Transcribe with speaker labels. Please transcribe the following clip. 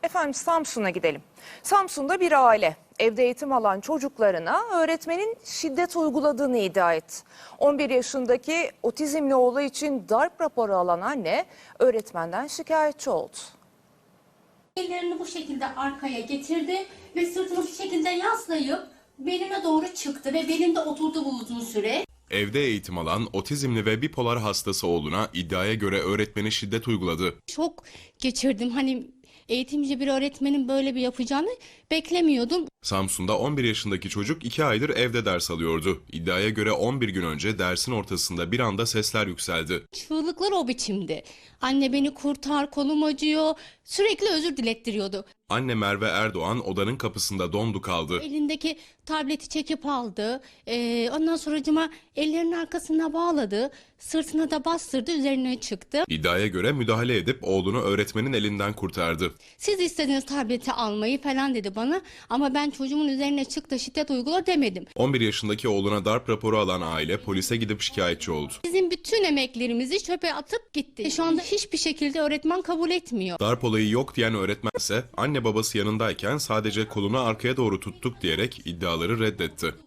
Speaker 1: Efendim Samsun'a gidelim. Samsun'da bir aile evde eğitim alan çocuklarına öğretmenin şiddet uyguladığını iddia etti. 11 yaşındaki otizmli oğlu için darp raporu alan anne öğretmenden şikayetçi oldu.
Speaker 2: Ellerini bu şekilde arkaya getirdi ve sırtını şu şekilde yaslayıp belime doğru çıktı ve belimde oturdu bu uzun süre.
Speaker 3: Evde eğitim alan otizmli ve bipolar hastası oğluna iddiaya göre öğretmeni şiddet uyguladı.
Speaker 2: Şok geçirdim. Hani eğitimci bir öğretmenin böyle bir yapacağını beklemiyordum.
Speaker 3: Samsun'da 11 yaşındaki çocuk 2 aydır evde ders alıyordu. İddiaya göre 11 gün önce dersin ortasında bir anda sesler yükseldi.
Speaker 2: Çığlıklar o biçimdi. Anne beni kurtar, kolum acıyor. Sürekli özür dilettiriyordu.
Speaker 3: Anne Merve Erdoğan odanın kapısında dondu kaldı.
Speaker 2: Elindeki tableti çekip aldı. Ondan sonracıma ellerinin arkasına bağladı. Sırtına da bastırdı, üzerine çıktı.
Speaker 3: İddiaya göre müdahale edip oğlunu öğretmenin elinden kurtardı.
Speaker 2: Siz istediğiniz tableti almayı falan dedi bana. Ama ben çocuğumun üzerine çıktı, şiddet uygula demedim.
Speaker 3: 11 yaşındaki oğluna darp raporu alan aile polise gidip şikayetçi oldu.
Speaker 2: Bizim bütün emeklerimizi çöpe atıp gitti. Şu anda hiçbir şekilde öğretmen kabul etmiyor.
Speaker 3: Darp olayı yok diyen öğretmense anne babası yanındayken sadece kolunu arkaya doğru tuttuk diyerek iddiaları reddetti.